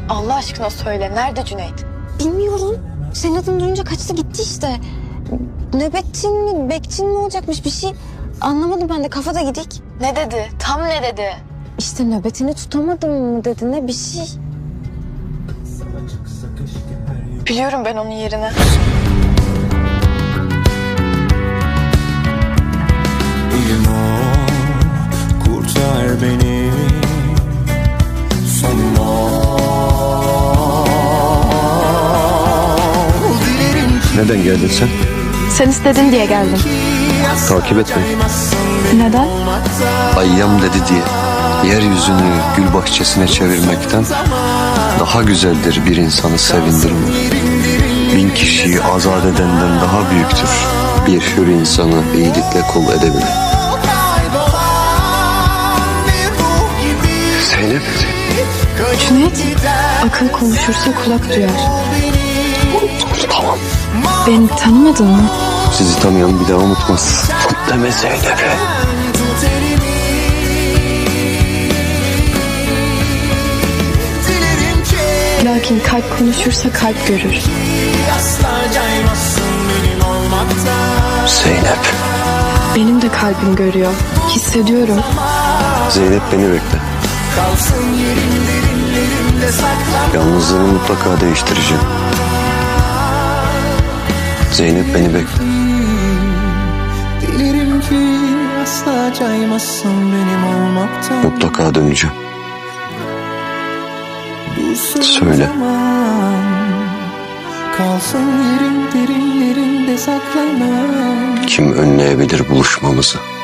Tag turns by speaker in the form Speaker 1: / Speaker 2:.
Speaker 1: Allah aşkına söyle, nerede Cüneyt?
Speaker 2: Bilmiyorum. Senin adını duyunca kaçtı gitti işte. Nöbetçin mi, bekçin mi olacakmış bir şey. Anlamadım ben de, kafada gidik.
Speaker 1: Ne dedi? Tam ne dedi?
Speaker 2: İşte nöbetini tutamadım mı dedi, ne bir şey.
Speaker 1: Biliyorum ben onun yerini.
Speaker 3: Elim ol, kurtar beni. Sonum ol. Dilerim ki
Speaker 4: Neden geldin sen?
Speaker 1: Sen istedin diye geldim.
Speaker 4: Takip etme.
Speaker 1: Neden?
Speaker 4: Ayyam dedi diye yeryüzünü gül bahçesine çevirmekten daha güzeldir bir insanı sevindirmek. 1000 kişiyi azat edenden daha büyüktür bir hür insanı iyilikle kul edebilir. Zeynep.
Speaker 1: Cüneyt, akıl konuşursa kulak duyar.
Speaker 4: Tamam.
Speaker 1: Beni tanımadın mı?
Speaker 4: Sizi tanıyan bir daha unutmaz. Deme Zeynep'e.
Speaker 1: Lakin kalp konuşursa kalp görür.
Speaker 4: Zeynep.
Speaker 1: Benim de kalbim görüyor. Hissediyorum.
Speaker 4: Zeynep beni bekle. Yalnızlığını mutlaka değiştireceğim. Zeynep beni bekle.
Speaker 3: Dilerim ki asla caymazsın benim olmaktan.
Speaker 4: Mutlaka döneceğim.
Speaker 3: Dursun
Speaker 4: Söyle.
Speaker 3: zaman, kalsın yerin derinlerinde saklanan.
Speaker 4: Kim önleyebilir buluşmamızı?